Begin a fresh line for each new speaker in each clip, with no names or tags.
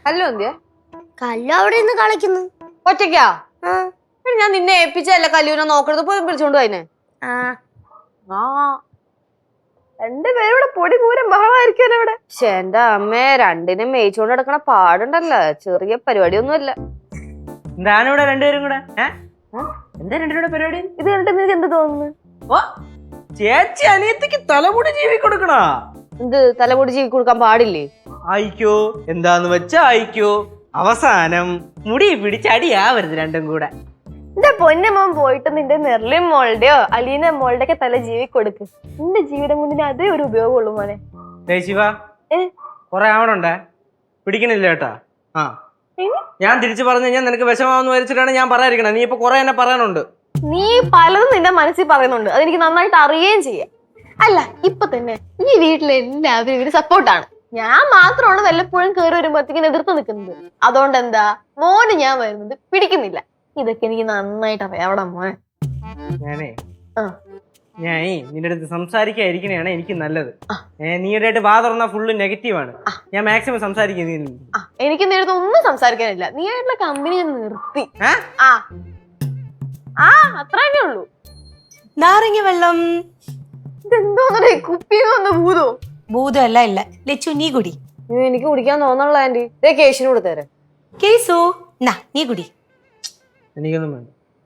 കല്ലു എന്തിയാ?
കല്ലു അവിടെ നിന്ന് കളിക്കുന്നു.
ഒറ്റയ്ക്കാ? ഞാൻ നിന്നെ ഏൽപ്പിച്ചല്ല കല്ലൂനെ നോക്കണത്, പോയി വിളിച്ചോണ്ട് പോയിനെ.
രണ്ടുപേരും ഇവിടെ പൊടി പൂരം ബഹളമായിരിക്കും ഇവിടെ.
പക്ഷെ എന്റെ അമ്മേ, രണ്ടിനും മേയിച്ചോണ്ട് നടക്കണ പാടുണ്ടല്ലോ, ചെറിയ പരിപാടിയൊന്നുമല്ല.
എന്താണ് ഇവിടെ രണ്ടുപേരും കൂടെ? എന്താ രണ്ടുപേരുടെ പരിപാടി?
ഇത് കണ്ടിട്ട് നിനക്ക് എന്ത് തോന്നുന്നു?
ഓ, ചേച്ചി അനിയത്തിക്ക് തലമുടി ജീവി കൊടുക്കണ.
എന്ത് തലമുടി ജീവി കൊടുക്കാൻ പാടില്ലേ?
ആയിക്കോ, എന്താന്ന് വെച്ചാ ആയിക്കോ. അവസാനം മുടി പിടിച്ചടിയാവരുത് രണ്ടും കൂടെ.
എന്റെ പൊന്നമ്മ പോയിട്ട് നിന്റെ നെർലിൻ മോളുടെയോ അലീന മോളുടെ ഒക്കെ തല ജീവി കൊടുക്ക്. നിന്റെ ജീവിതം കൊണ്ടിന് അതേ ഒരു ഉപയോഗമുള്ളൂ മോനെ.
ശിവ, കൊറേ ആവണുണ്ടേ, പിടിക്കണില്ല കേട്ടാ. ഞാൻ തിരിച്ചു പറഞ്ഞു കഴിഞ്ഞാൽ നിനക്ക് വിഷമാവെന്ന് വരച്ചിട്ടാണ് ഞാൻ പറയാതിരിക്കണേ. നീ ഇപ്പൊ കൊറേ എന്നെ പറയാനുണ്ട്.
നീ പലതും നിന്റെ മനസ്സിൽ പറയുന്നുണ്ട്, അതെനിക്ക് നന്നായിട്ട് അറിയുകയും ചെയ്യാം. അല്ല, ഇപ്പൊ തന്നെ ഈ വീട്ടിലെ എല്ലാവരും ഇവര് സപ്പോർട്ടാണ്. ഞാൻ മാത്രമാണ് വല്ലപ്പോഴും കയറി വരുമ്പോഴത്തേക്കും എതിർത്ത് നിൽക്കുന്നത്. അതുകൊണ്ട് എന്താ മോന് ഞാൻ വരുന്നത് പിടിക്കുന്നില്ല. ഇതൊക്കെ എനിക്ക് നന്നായിട്ട് അറിയാം. അവിടെ മോനെ
ഞാനേ നിന്റെ അടുത്ത് സംസാരിക്കാതിരിക്കണേയാണ് എനിക്ക് നല്ലത്. നീടായിട്ട് വാ തുറന്നാ ഫുള്ള് നെഗറ്റീവാണ്. ഞാൻ മാക്സിമം സംസാരിക്കുന്നു.
എനിക്ക് നിന്റെ അടുത്ത് ഒന്നും സംസാരിക്കാനില്ല. നീ ആയിട്ടുള്ള കമ്പനി ഞാൻ നിർത്തി. അത്ര തന്നെ ഉള്ളൂ.
നാരങ്ങ വെള്ളം.
ഇതെന്തോന്നേ, കുപ്പിന്ന് ഭൂതോ?
ഭൂതമല്ല, ഇല്ല. ലച്ചു, നീ കുടി.
എനിക്ക് കുടിക്കാൻ തോന്നണല്ലോ ആന്റി. ഇതേ കേശിന് കൊടുത്തേരെ.
കേസു, നീ കുടി.
എനിക്കൊന്നും വേണ്ട.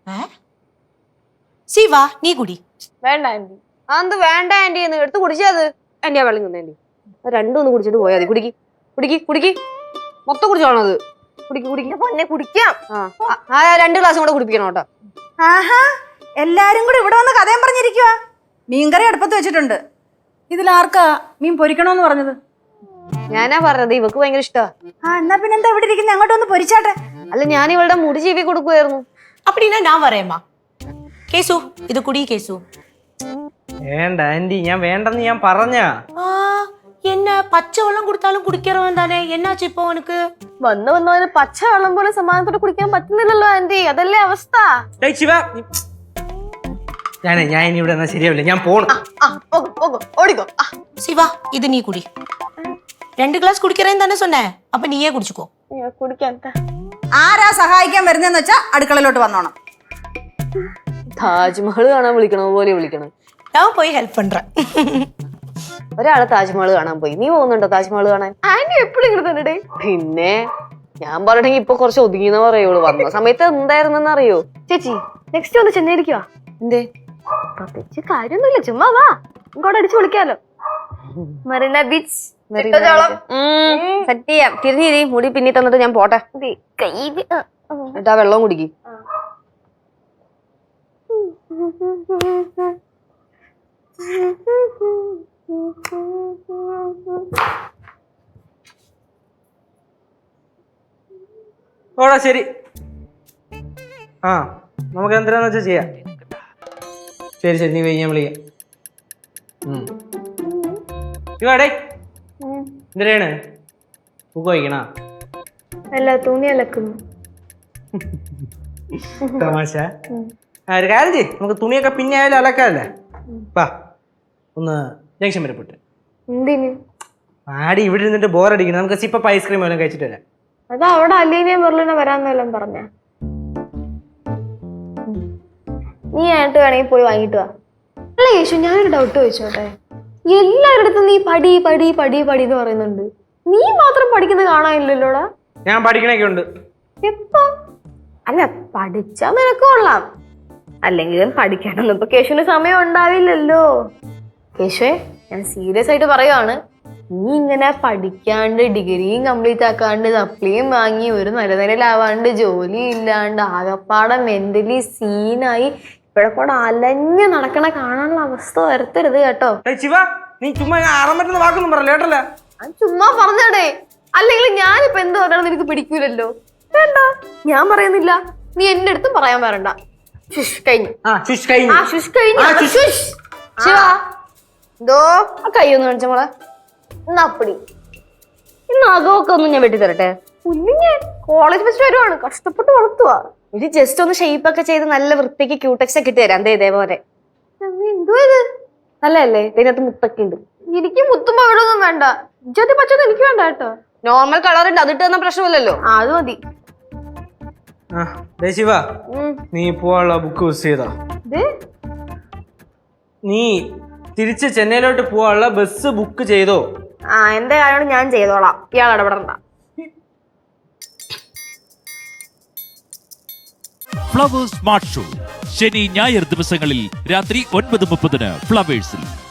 ശിവ, നീ കുടി.
വേണ്ട ആന്റി.
അതെന്ത് വേണ്ട ആന്റി? എന്ന് എടുത്ത് കുടിച്ചത്. ആന്റി ആ വെള്ളം തന്നെ ആന്റി. രണ്ടും ഒന്ന് കുടിച്ചിട്ട് പോയാൽ മതി. കുടിക്ക് കുടിക്ക് കുടിക്ക്, മൊത്തം കുടിച്ചോണത്. കുടിക്ക് കുടിക്ക് പൊന്നെ, കുടിക്കാം. 2 ഗ്ലാസും കൂടെ കുടിപ്പിക്കണം കേട്ടോ.
ആഹാ, എല്ലാരും കൂടി ഇവിടെ വന്ന് കഥയും പറഞ്ഞിരിക്കുവാ. മീൻകറി അടുപ്പത്ത് വെച്ചിട്ടുണ്ട്. ഇതിലാർക്കാ മീൻ പൊരിക്കണോന്ന് പറഞ്ഞത്?
ഞാനാ പറഞ്ഞത്, ഇവക്ക് ഭയങ്കര ഇഷ്ടമാ.
എന്നാ പിന്നെ എന്താ ഇവിടെ ഇരിക്കുന്നത്? അങ്ങോട്ടൊന്ന് പൊരിച്ചാട്ടെ.
അല്ല, ഞാൻ ഇവളുടെ മുടി ചീവി കൊടുക്കുമായിരുന്നു.
அப்படின்னா நான் வரேம்மா. കേസു, ഇത് കുടി കേസു.
വേണ്ട ആന്റി, ഞാൻ വേണ്ടെന്ന് ഞാൻ പറഞ്ഞ.
என்ன പച്ച വെള്ളം കൊടുത്താലും കുടിക്കാറവൻ തന്നെ. എന്നാച്ചു ഇപ്പൊ അവനക്ക്?
വന്നവന് പച്ച വെള്ളം പോലെ സമാധാനത്തോടെ കുടിക്കാൻ പറ്റുന്നില്ലല്ലോ ആന്റി. അതല്ലേ അവസ്ഥ.
ഞാൻ ഇനി ഇവിടെ ശരിയാവില്ല, ഞാൻ പോണം.
ഓടിക്കോ.
ശിവ, ഇത് നീ കുടി. 2 ഗ്ലാസ് കുടിക്കറേന്ന് തന്നെ சொன்னே. അപ്പൊ നീയേ കുടിച്ചുക്കോ.
കുടിക്കാൻ
ആരാ സഹായിക്കാൻ വരുന്നതെന്ന് വെച്ചാ അടുക്കളയിലോട്ട് വന്നോണം.
താജ്മഹൽ കാണാൻ വിളിക്കണ പോലെ വിളിക്കണം.
ഞാൻ പോയി ഹെൽപ്പ് പண்றேன்.
ഒരാള് താജ്മഹൽ കാണാൻ പോയി. നീ പോകുന്നുണ്ടോ താജ്മഹൽ കാണാൻ?
ആന്റി എപ്പോഴും ഇങ്ങനെ തന്നെ.
പിന്നെ ഞാൻ പറഞ്ഞെങ്കിൽ ഇപ്പൊ കുറച്ച് ഒതുങ്ങിയെന്ന് പറയുള്ളൂ. വന്ന സമയത്ത് എന്തായിരുന്നെന്ന് അറിയോ?
ചേച്ചി, നെക്സ്റ്റ് ഒന്ന് ചെന്നൈയിരിക്കുവാ.
എന്തേ?
പ്രത്യേകിച്ച് കാര്യമൊന്നുമില്ല, ചുമ്മാ വാ, ഇങ്ങോട്ട് അടിച്ചു വിളിക്കാലോ. മറീന ബീച്ച്
സെറ്റ് ചെയ്യാം. തിരിഞ്ഞിരി, മുടി പിന്നി തന്നിട്ട് ഞാൻ പോട്ടെ. എന്നിട്ടാ വെള്ളം കുടിക്ക്.
ഓടാ, ശരി. നമുക്ക് എന്തിനാന്ന് വെച്ചാ ചെയ്യാം. ശരി ശരി, നീ പോയി, ഞാൻ വിളിക്കാം. ഇവാടേ എന്തിനാണ് ബുക്ക് വായിക്കണ?
അല്ല, തുണി അലക്കുന്നു.
തമാശ. ഒരു കാര്യം ചെയ്യ്, നമുക്ക് തുണിയൊക്കെ പിന്നെ ആയാലും അലക്കാല്ലേ. വാ, ഒന്ന് ജംഗ്ഷൻ വരെ പോട്ടെ.
എന്തിന്?
ആടി ഇവിടെ ഇരുന്നിട്ട് ബോറടിക്കണം. നമുക്ക് സിപ്പപ്പ് ഐസ്ക്രീം എല്ലാം കഴിച്ചിട്ട് വരാം.
അതാ അവിടെ അലീനയും ബെർലിനെ വരാന്നെല്ലാം പറഞ്ഞ. നീ ആയിട്ട് വേണമെങ്കിൽ പോയി വാങ്ങിട്ട് വാ. അല്ല യേശു, ഞാനൊരു ഡൗട്ട് ചോദിച്ചോട്ടെ. എല്ലാവരുടെ നീ പടി പടി പടി പടി എന്ന് പറയുന്നുണ്ട്, നീ മാത്രം പഠിക്കുന്നത് കാണാനില്ലല്ലോടാ.
ഞാൻ പഠിക്കണൊക്കെ ഉണ്ട്.
എപ്പോ? അല്ല, പഠിച്ചാ നിനക്ക് കൊള്ളാം. അല്ലെങ്കിലും പഠിക്കാനൊന്നും ഇപ്പൊ കേശുവിന് സമയം ഉണ്ടാവില്ലല്ലോ. കേശുവേ, ഞാൻ സീരിയസ് ആയിട്ട് പറയുവാണ്. നീ ഇങ്ങനെ പഠിക്കാണ്ട് ഡിഗ്രിയും കംപ്ലീറ്റ് ആക്കാണ്ട് സപ്ലിയും വാങ്ങി ഒരു നിലനിലാവാണ്ട് ജോലി ഇല്ലാണ്ട് ആകപ്പാടെ മെന്റലി സീനായി ഇവിടെ കൂടെ അലഞ്ഞ് നടക്കണ കാണാനുള്ള അവസ്ഥ വരുത്തരുത് കേട്ടോ.
നീ ചുമ്മാ ആറാൻ വാക്കൊന്നും പറയല്ലേ കേട്ടല്ലേ.
ചുമ്മാ പറഞ്ഞടേ, അല്ലെങ്കിൽ ഞാനിപ്പോ എന്ത് പറഞ്ഞാലും നിനക്ക് പിടിക്കൂലല്ലോ. വേണ്ട, ഞാൻ പറയുന്നില്ല, നീ എന്റെ അടുത്തും പറയാൻ വരണ്ട. കഴിഞ്ഞു.
ശിവ, എന്തോ ആ കൈയൊന്ന് കാണിച്ച മോളെ.
അപ്പടി
ഇന്ന് അകമൊക്കെ ഒന്നും ഞാൻ വെട്ടി തരട്ടെ.
കുഞ്ഞിഞ്ഞ് കോളേജ് ഫസ്റ്റ് വരുവാണ്, കഷ്ടപ്പെട്ട് വളർത്തുവാ.
ഇത് ജസ്റ്റ് ഒന്ന് ഷേപ്പ് ഒക്കെ ചെയ്ത് നല്ല വൃത്തിക്ക് ക്യൂടെക്സ് ഒക്കെ ഇട്ട് തരാം. എന്തേ ഇതേപോലെ
എന്തോ ഇത്
നല്ലതല്ലേ? ഇതിനകത്ത് മുത്തൊക്കെ ഉണ്ട്.
എനിക്ക് മുത്തുമ്പോ ഇവിടെ ഒന്നും വേണ്ട. ഇജ്ജാതി പച്ചൊന്നും എനിക്ക് വേണ്ട കേട്ടോ.
നോർമൽ കളർ ഉണ്ട്, അതിട്ട് തന്ന പ്രശ്നമില്ലല്ലോ.
ആ അത് മതി.
ആ ദേ ശിവ, നീ പോവാനുള്ള ബുക്ക് മിസ് ചെയ്താ?
ഇത്
നീ തിരിച്ച് ചെന്നൈയിലോട്ട് പോവാനുള്ള ബസ് ബുക്ക് ചെയ്തോ?
ആ എന്റെ കാര്യമാണ് ഞാൻ ചെയ്തോളാം, ഇയാൾ ഇടപെടണ്ട.
ഫ്ലവേഴ്സ് സ്മാർട്ട് ഷോ ശനി ഞായർ ദിവസങ്ങളിൽ രാത്രി 9:30 ഫ്ലവേഴ്സിൽ.